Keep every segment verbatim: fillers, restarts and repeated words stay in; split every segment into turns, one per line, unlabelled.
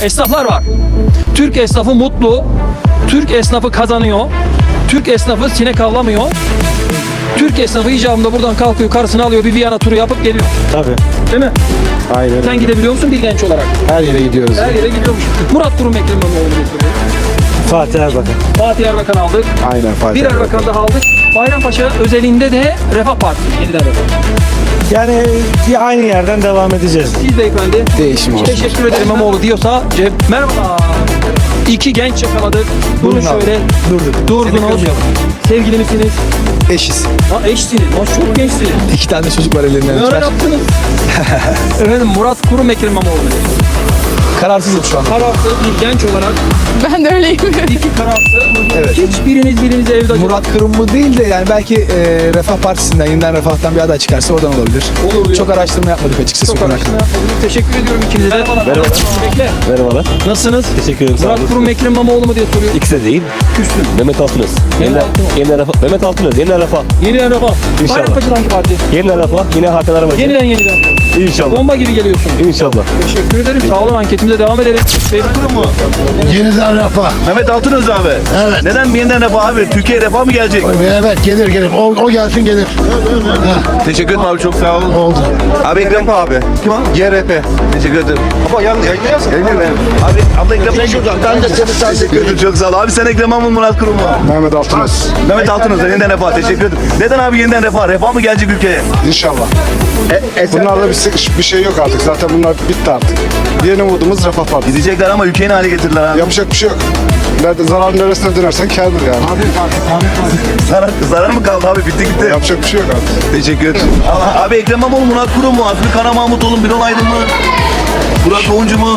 esnaflar var. Türk esnafı mutlu. Türk esnafı kazanıyor. Türk esnafı sinek avlamıyor. Türk esnafı icabında buradan kalkıyor, karısını alıyor, bir Viyana turu yapıp geliyor.
Tabii.
Değil mi?
Aynen.
Sen gidebiliyor musun bir genç olarak?
Her yere gidiyoruz.
Her yere gidiyormuş. Murat Kurum Ekrem İmamoğlu getiriyor.
Fatih Erbakan.
Fatih Erbakan aldık.
Aynen Fatih
Bir Erbakan daha aldık. Bayrampaşa özelinde de Refah Partisi yeniden Refah.
Yani bir aynı yerden devam edeceğiz.
Siz beyefendi.
Değişim olsun.
Teşekkür ederim İmamoğlu diyorsa cep. Merhaba. İki genç yakaladık. Bunu
Buyurun abi.
şöyle
Durduk.
durdunuz. Sevgili misiniz?
Eşiz.
Ha eşsiniz. Ha, çok gençsiniz.
İki tane çocuk var ellerinden
Ne
öper.
yaptınız? Efendim Murat Kurum Ekrem İmamoğlu.
Kararsızım şu an.
Kararsız bir genç olarak
Ben de öyleyim.
iki kararsız.
Evet.
Hiçbiriniz birinize evde acaba.
Murat Kırımlı değil de yani belki e, Refah Partisi'nden, yeniden Refah'tan bir aday çıkarsa oradan olabilir.
Olur.
Çok araştırma yapmadık açıkçası.
Çok
bu konu
araştırma
hakkında.
yapmadım. Teşekkür ediyorum ikinize de. Merhaba. Bekle.
Merhabalar.
Nasılsınız?
Teşekkür ederim. Sağ
Murat
olun.
Kurum Ekrem İmamoğlu mu diye soruyor.
İkisi de değil.
Küstüm.
Mehmet Altınöz. Yeniden,
Altınöz.
yeniden refah. Mehmet Altınöz. Yeniden refah.
Yeniden Refah.
İnşallah.
Bayrampaşa'dan hangi parti?
Yeniden refah. Yine Hakan Arabacı.
Yeniden yeniden.
İnşallah.
Bomba gibi geliyorsun.
İnşallah.
Teşekkür ederim. Sağ olun, anketimize devam edelim. Kurum mu?
Yeniden refah.
Mehmet Altınöz abi.
Evet.
Neden yeniden refah abi? Türkiye refah mı gelecek?
Evet gelir gelir. O, o gelsin gelir.
Teşekkür ederim abi, çok sağ olun.
Oldu.
Abi Ekrem abi. Kim o? G R P. Teşekkür ederim. Baba yan yayınlıyorsun. Yayınlıyorum. Abi abla Ekrem. Ben de seni teşekkür ederim. Çok sağ ol. Abi sen Ekrem ama Murat Kurum mu?
Mehmet Altınöz.
Mehmet Altınöz yeniden refah. Teşekkür ederim. Neden abi yeniden refah? Refah mı gelecek ülkeye?
İnşallah. Bunlarda bir, bir şey yok artık. Zaten bunlar bitti artık. Yeni umudumuz Refah Partisi.
Gidecekler ama ülkeyi ne hale getirdiler abi?
Yapacak bir şey yok. Nerede, zararın neresine dönersen kârdır yani.
Zarar, zarar mı kaldı abi? Bitti gitti.
Yapacak bir şey yok artık.
Teşekkür ederim. Abi Ekrem İmamoğlu, Murat Kurum mu? Azmi Kara Mahmutoğlu, Birol Aydın mı? Burak Doğuncu mu?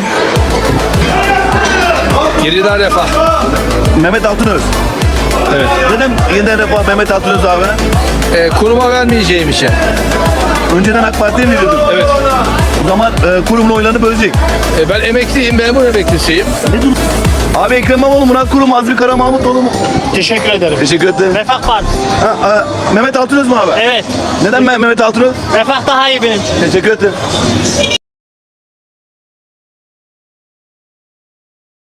Yeniden refah.
Mehmet Altınöz. Evet. Neden yeniden refah Mehmet Altınöz abi?
Ee, kuruma vermeyeceğim işe.
Önceden AK Parti'ye mi veriyordun?
Evet.
O zaman e, kurumla oylarını bölecek.
Ee, ben emekliyim, memur emeklisiyim.
Abi Ekrem İmamoğlu, Murat Kurum, Azmi Kara Mahmutoğlu mu?
Teşekkür ederim.
Teşekkür ederim.
Refah Partisi.
Ha, ha, Mehmet Altınöz mü abi?
Evet.
Neden ben Mehmet Altınöz?
Refah daha iyi benim için.
Teşekkür ederim.